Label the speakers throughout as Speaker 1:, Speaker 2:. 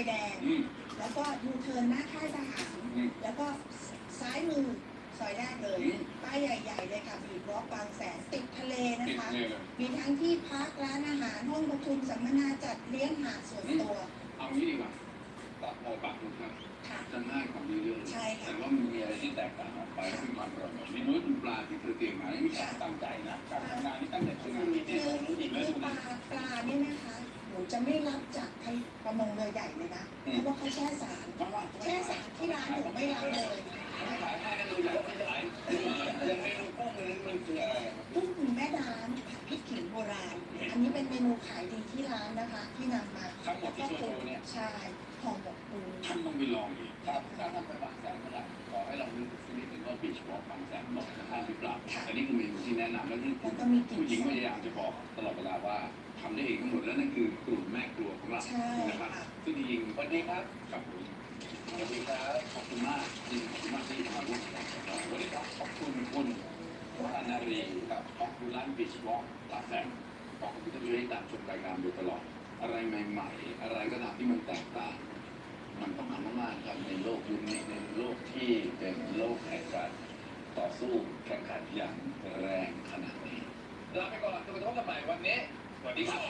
Speaker 1: แดงแล้วก็ยูเทิร์นหน้าค่ายทหารแล้วก็ซ้ายมือซอยแรกเลยป้ายใหญ่ๆเลยค่ะบีบล็อกบางแสนติดทะเลนะคะมีทั้งที่พักร้านอาหารห้องประชุมสัมมนาจัดเลี้ยงหาดส่วนตัว
Speaker 2: เอางี้ดีกว่าปรับโมปรับนะครับจะง่ายกว่านี้เยอะแต่ว่ามันมีอะไรที่แตกต่างออกไปคือความอร่อยเมนูปลาที่เธอเตรียมมานี่มีการตั้งใจนะการทำงานนี่ตั้งใจทำงานนี่
Speaker 1: คือปลาเนี่ยนะคะหนูจะไม่รับจากประมงเรือใหญ่เลยนะเพราะว่าเขาแช่สารที่ร้านหนูไม่รับเลย
Speaker 2: ขายให้กันดูใหญ่ไม่ขายยังเมนูกุ้งมันคืออะไร
Speaker 1: กุ้งแม่น้ำพริกขิงโบราณอันนี้เป็นเมนูขายดีที่ร้านนะคะที่นำมา
Speaker 2: ทั้งหมดที่โชว์เนี่ย
Speaker 1: ใช่ห่อหมกปู
Speaker 2: ท่านต้องไปลองอีกครับถ้าท่านไปบางแสนเมื่อไหร่ขอให้เรานึกถึงนิดนึงว่าบีชวอล์กบางแสนบอกจะทานหรือเปล่าอันนี้คือเมนูที่แนะนำและนี่ผู้หญิงพยายามจะบอกตลอดเวลาว่าทำได้เองทั้งหมดแล้วนั่นคือกลุ่มแม่ครัวของเรานะครับซึ่งจริงๆวันนี้ครับกับผมสวัสดีครับขอบคุณมากที่มาร่วมกันวันนี้ครับขอบคุณคุณวานารีครับขอบคุณร้านบีชวอล์กบางแสนขอบคุณที่ให้ตามชมรายการโดยตลอดอะไรใหม่ๆอะไรก็ตามที่มันแตกต่างมันต้องทำมากๆครับในโลกยุคนี้ในโลกที่เป็นโลกแห่งการต่อสู้แข่งขันอย่างแรงขนาดนี้ลาไปก่อนจนกระทั่งกันใหม่วันนี้สวัสดีครับ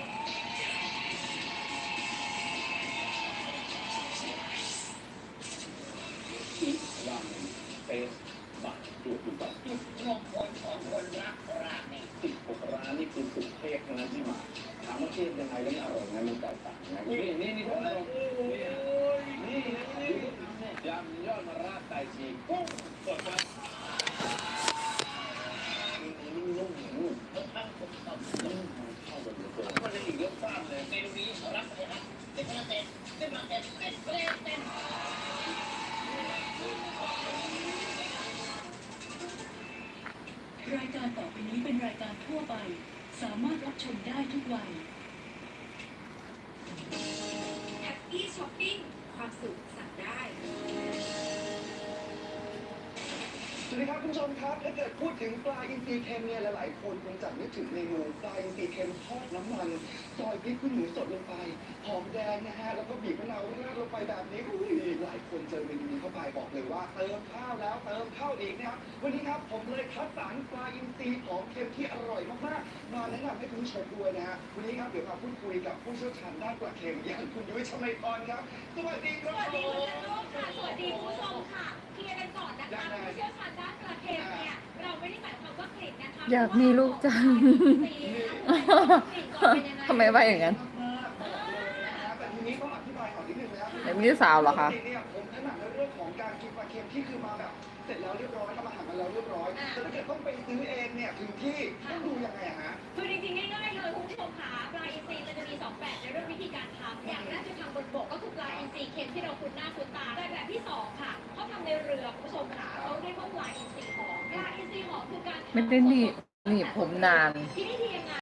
Speaker 2: ร้านเฟสบัตรตัวคุณบัตรจุดรวมพลของคนรักร้านนี้16 ร้านนี่คือสุดเทพทั้งนั้นที่มาถามว่าเทพยังไงแล้วอร่อยไงมันแตกต่างไงนี่ท่านผู้ชมนี่ยำยอดมะระไตชีกุ้งสดครับนุ่มทั้งผมตับนุ่มเข้ากันเหลือเกินมันเลยอีกเยอะมากเลยเมนูนี้รับเลยครับเด็กมาเต้น
Speaker 3: รายการต่อไปนี้เป็นรายการทั่วไปสามารถรับชมได้ทุกวัย
Speaker 4: แฮปปี้ช้อปปิ้งความสุขสั่งได้
Speaker 5: สวัสดีครับคุณผู้ชมครับถ้าเกิดพูดถึงปลาอินทรีเค็มเนี่ยหลายๆคนคงจะนึกถึงเมนูปลาอินทรีเค็มทอดน้ำมันซอยพริกขี้หนูสดลงไปหอมแดงนะฮะแล้วก็บีบมะนาวราดลงไปแบบนี้หลายคนเจอเมนูนี้เข้าไปบอกเลยว่าเติมข้าวแล้วเติมข้าวอีกนะครับวันนี้ครับผมเลยคัดสรรปลาอินทรีหอมเค็มที่อร่อยมากๆมาแนะนำให้คุณผู้ชมด้วยนะฮะวันนี้ครับเดี๋ยวมาพูดคุยกับผู้เชี่ยวชาญด้านปลาเค็มอย่างคุณยุ้ยชมัยพรครับสวัสดีครับ
Speaker 4: สวัสดีคุณจันโลกค่ะสวัสดีผู้ชมค่ะเคลียร์กันก่อนนะคะผู้เชี่ยวชาญด้านปลาเค็มเนี่ยเราไม่ได้หมายความว่ากลิ่นนะคะ
Speaker 6: อยากมีลูกจังทำไมว่าอย่างนั้น
Speaker 5: แบบ
Speaker 6: นี้สาวเหรอคะ
Speaker 5: ผมถนัดในเรื่องของการกินปลาเค็มที่คือมาแบบเสร็จแล้วเรียบร้อยทำอาหารมาแล้วเรียบร้อยแต่ถ้าเกิดต้องไปซื้อเองเนี่ยถึงที่ต้องดูยังไงฮะ
Speaker 4: คือจริงๆง่ายๆเลยคุณผู้ชมค่ะปลาอินทรีมันจะมี2แบบในเรื่องวิธีการทำอย่างแรกจะทำบนบกก็คือปลาอินทรีเค็มที่เราคุ้นหน้าคุ้นตาแต่แบบที่2ค่ะเขาทำในเรือคุณผู้ชมค่ะเขาเรียกว่าปลาอินทรีหอมปลาอินทรีหอมคือการ
Speaker 6: ไม่ได้หนีบผมนาน
Speaker 4: ที่นี่ทีม